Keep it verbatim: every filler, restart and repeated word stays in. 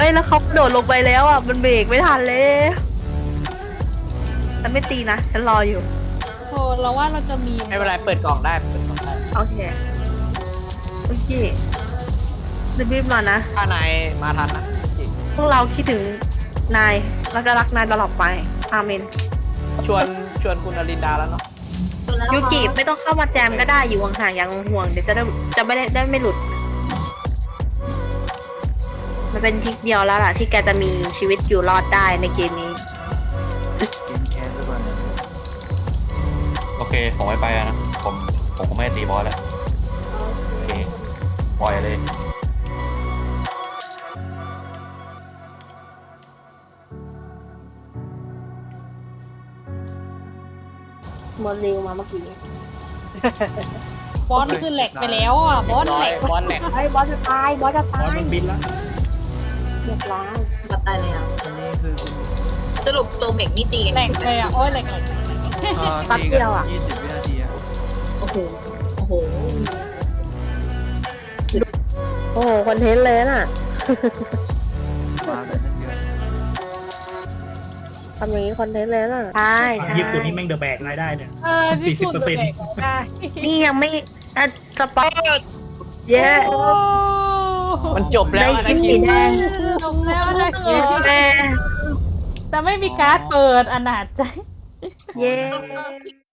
ยแล้วเขากระโดดลงไปแล้วอ่ะมันเบรกไม่ทันเลยฉันไม่ตีนะฉันรออยู่โธ่เราว่าเราจะมีไม่เป็นไรเปิดกล่องได้เปิดกล่องได้โอเคโอเครีบๆหน่อยนะถ้านายมาทันนะจริงพวกเราคิดถึงนายแล้วก็รักนายตลอดไปอาเมนชวนชวนคุณอลินดาแล้วเนาะยูกิไม่ต้องเข้ามาแจมก็ได้อยู่ห่างๆอย่างห่วงๆเดี๋ยวจะได้จะไม่ได้ได้ไม่หลุด มันเป็นทริกเดียวแล้วล่ะที่แกจะมีชีวิตอยู่รอดได้ในเกมนี้เกมแคสด้วยกันโอเคผมไม่ไปแล้วนะผมผมคงไม่ตีบอสแล้วโอเคปล่อยเลยมอนเร็วมาเมื่อกี้บอสคือแหลกไปแล้วอ่ะบอสร้อแหลยกบอลแหลกไอ้บอสจะตายบอสจะบอตาสยมันบินแล้วเรียบร้อยมาตายเลยอ่ะอันนี้คือคุณสรุปตัวเมกนี่ตีกันแหลกเลยอ่ะโอ้ยแหลกแหลกเอ่อตีกันยี่สิบวินาทีอะโอ้โหโอ้โหโอ้โหคอนเทนต์เลยน่ะมากันตั้งเยอะทำอย่างนี้คอนเทนต์เลยน่ะใช่ญี่ปุ่นนี่แม่งเดอะแบกรายได้เนี่ยเออที่พูดแหลกได้นี่ยังไม่อ่ะสปอร์ตเย้โอ้มันจบแล้วนะได้คิสีดแดงจบแล้วนะคิเย้ดแต่ไม่มีการ์ดเปิดอนาจใจเย้